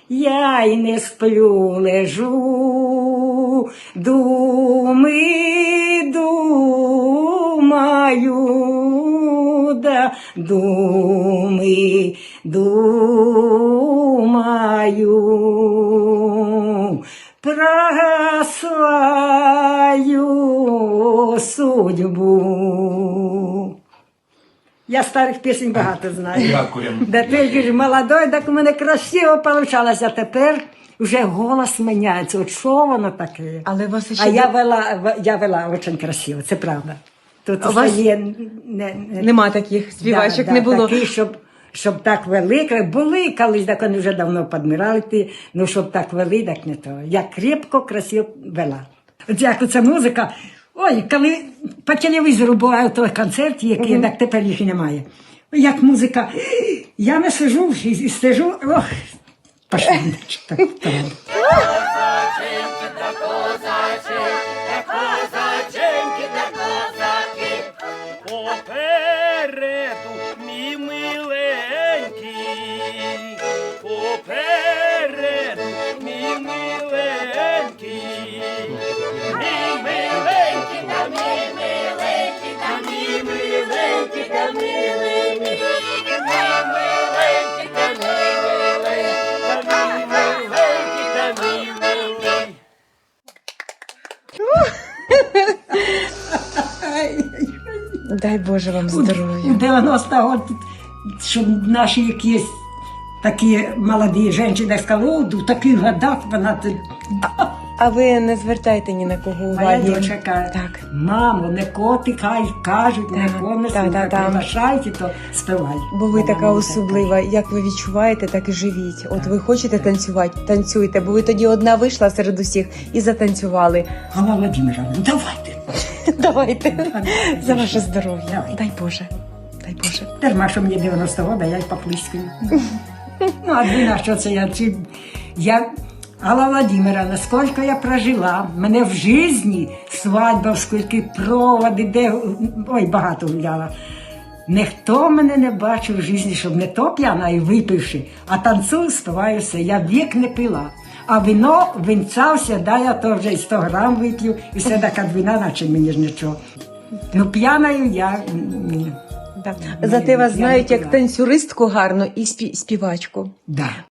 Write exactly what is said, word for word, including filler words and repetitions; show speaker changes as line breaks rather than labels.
я й не сплю, лежу, думи, думаю, да, думи, думаю, про свою судьбу. Я старих пісень багато знаю.
Дякуємо.
Да ти ж молодой, так у мене красиво получалось, а тепер вже голос міняється. От що воно таке?
Але у вас ще
А я
є-
вела, я вела дуже красиво, це правда. Тут
А у вас
є, не, не,
Нема таких співачок,
да,
не
да,
було.
Такі, щоб, щоб так вели, були колись, так вони вже давно підмирали, ті, ну щоб так вели, так не то. Я крепко, красиво вела. От як оця музика, ой, коли по телевізору буває той концерт, який, так тепер їх і немає. Як музика, я не сижу і, і стежу, ох, пошли. Так, так.
Попереду, мій миленький, попереду, мій миленький, мій миленький, та мій миленький, та мій миленький, та мій миленький, мій миленький, та мій миленький, та мій миленький, та мій миленький.
Дай Боже вам
У
здоров'я.
дев'яносто років, щоб наші якісь такі молоді жінки сказали, о, в таких годах вона... тут».
А ви не звертайте ні на кого
Моя
уваги.
дочка,
Так.
мамо, не коти, хай кажуть, не
Так,
кони,
так, так, так.
приглашайте, то співай.
Бо ви
Вона
така
мені
особлива, як ви відчуваєте, так і живіть. От ви хочете танцювати, танцюйте, бо ви тоді одна вийшла серед усіх і затанцювали.
Галина Владимировна, ну давайте.
Давайте за ваше здоров'я.
Давай.
Дай Боже, дай Боже.
Дарма, що мені дев'яносто років, а я й поплискаю. Ну, а ви на що це я? Чи... Я... Алла Владимировна, скільки я прожила, мене в житті свадьба, скільки проводи, де, ой, багато гуляла. Ніхто мене не бачив в житті, щоб не то п'яна і випивши, а танцюю, співаю все. Я вік не пила. А вино, винця все, да, я то вже і сто грам вип'ю, і все така двіна, наче мені ж нічого. Ну, п'яною я... ні.
Да.
Ні,
Зате вас
я
знають
не
як
пила.
танцюристку гарно і спі- співачку.
Да.